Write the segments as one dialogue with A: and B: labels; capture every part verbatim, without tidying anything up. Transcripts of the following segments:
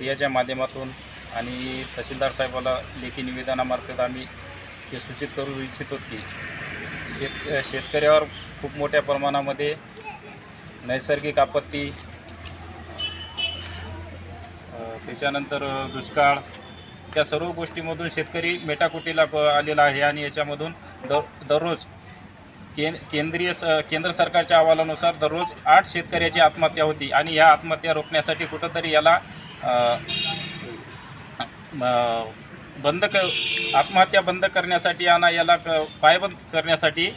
A: मीडियाच्या माध्यमातून आणि तहसीलदार साहेबाला लेखी निवेदनामार्फत आम्ही हे सूचित करू इच्छितो की शेत शेतकऱ्यावर खूप मोठ्या प्रमाणामध्ये नैसर्गिक आपत्ती, त्याच्यानंतर दुष्काळ, त्या सर्व गोष्टीमधून शेतकरी मेटाकुटीला आलेला आहे आणि याच्यामधून दर दररोज कें केंद्रीय स केंद्र सरकारच्या अहवालानुसार दररोज आठ शेतकऱ्याची आत्महत्या होती आणि या आत्महत्या रोखण्यासाठी कुठंतरी याला बंद क आत्महत्या बंद करण्यासाठी आणि याला क पायबंद करण्यासाठी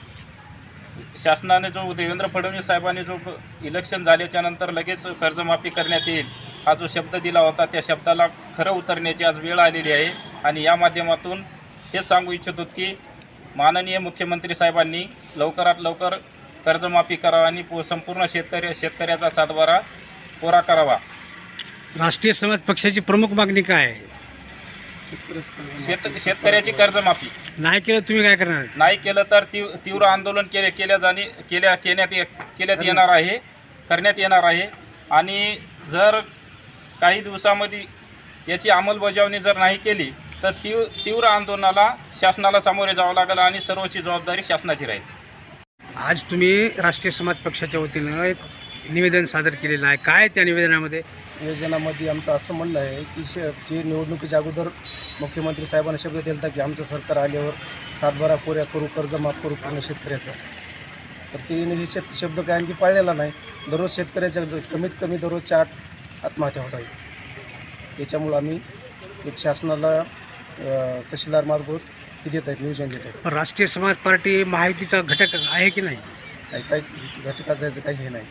A: शासनाने जो देवेंद्र फडणवीस साहेबांनी जो इलेक्शन झाल्याच्यानंतर लगेच कर्जमाफी करण्यात येईल हा जो शब्द दिला होता त्या शब्दाला खरं उतरण्याची आज वेळ आलेली आहे आणि या माध्यमातून हे सांगू इच्छितो की माननीय मुख्यमंत्री साहेबांनी लवकरात लवकर कर्जमाफी करावा आणि संपूर्ण शेतकरी शेतकऱ्याचा सातबारा कोरा करावा।
B: राष्ट्रीय समाज पक्षाची प्रमुख मागणी काय आहे?
A: शेत शेतकऱ्याची कर्जमाफी
B: नाही केलं तुम्ही काय करणार?
A: नाही केलं तर तीव तीव्र आंदोलन केले केल्या जाणे केल्या केण्यात केल्यात येणार आहे करण्यात येणार आहे आणि जर काही दिवसामध्ये याची अंमलबजावणी जर नाही केली तर तीव्र तीव्र आंदोलनाला शासनाला सामोरे जावं लागेल आणि सर्वची जबाबदारी शासनाची राहील।
B: आज तुम्ही राष्ट्रीय समाज पक्षाच्या वतीनं एक निवेदन सादर केलेलं आहे, काय त्या निवेदनामध्ये?
C: निवेदनामध्ये आमचं असं म्हणणं आहे की शे जे निवडणुकीच्या अगोदर मुख्यमंत्री साहेबांना शब्द दिला होता की आमचं सरकार आल्यावर सातबारा कोऱ्या करू, कर्ज माफ करू पूर्ण शेतकऱ्याचं, तर तिने हे शेत शब्द काय आणखी पाळलेला नाही। दररोज शेतकऱ्याच्या कमीत कमी दररोजच्या आठ आत्महत्या होत आहेत। त्याच्यामुळं आम्ही एक शासनाला तहसीलदार मार्फत हे देत आहेत, नियोजन देत आहेत।
B: राष्ट्रीय समाज पार्टी महायुतीचा घटक आहे की नाही?
C: काही काही घटकाचं याचं काही हे नाही।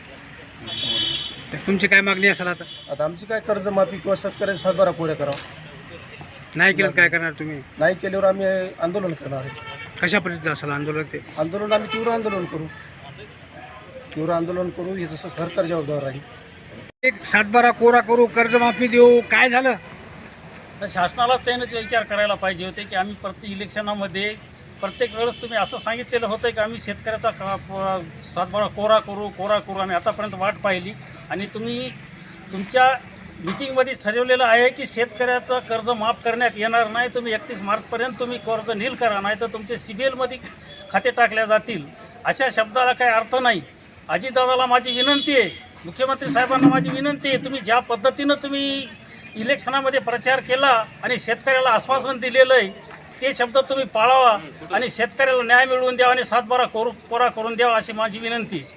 B: तर तुमची काय मागणी असेल आता?
C: आता आमची काय कर्जमाफी किंवा शेतकऱ्याचा सातबारा कोऱ्या करावं,
B: नाही केलं काय करणार तुम्ही?
C: नाही केल्यावर आम्ही आंदोलन करणार आहे।
B: कशा पद्धतीचं असेल आंदोलन? ते
C: आंदोलन आम्ही तीव्र आंदोलन करू तीव्र आंदोलन करू हे जसं सरकार जबाबदार राहील।
B: एक सातबारा कोरा करू, कर्जमाफी देऊ, काय झालं?
D: तर शासनालाच त्यानं विचार करायला पाहिजे होते की आम्ही प्रत्येक इलेक्शनामध्ये प्रत्येक वेळेस तुम्ही असं सांगितलेलं होतं की आम्ही शेतकऱ्याचा का सातबारा कोरा करू कोरा करू आम्ही आतापर्यंत वाट पाहिली आणि तुम्ही तुमच्या मिटिंगमध्येच ठरवलेलं आहे की शेतकऱ्याचं कर्ज माफ करण्यात येणार नाही। तुम्ही एकतीस मार्चपर्यंत तुम्ही कर्ज नील करा, नाही तर तुमचे सी बी एलमध्ये खाते टाकल्या जातील। अशा शब्दाला काही अर्थ नाही। अजितदादाला माझी विनंती आहे, मुख्यमंत्री साहेबांना माझी विनंती आहे, तुम्ही ज्या पद्धतीनं तुम्ही इलेक्शनामध्ये प्रचार केला आणि शेतकऱ्याला आश्वासन दिलेलं आहे ते शब्द तुम्ही पाळावा आणि शेतकऱ्याला न्याय मिळवून द्यावा आणि सातबारा कोरू कोरा करून द्यावा अशी माझी विनंती आहे।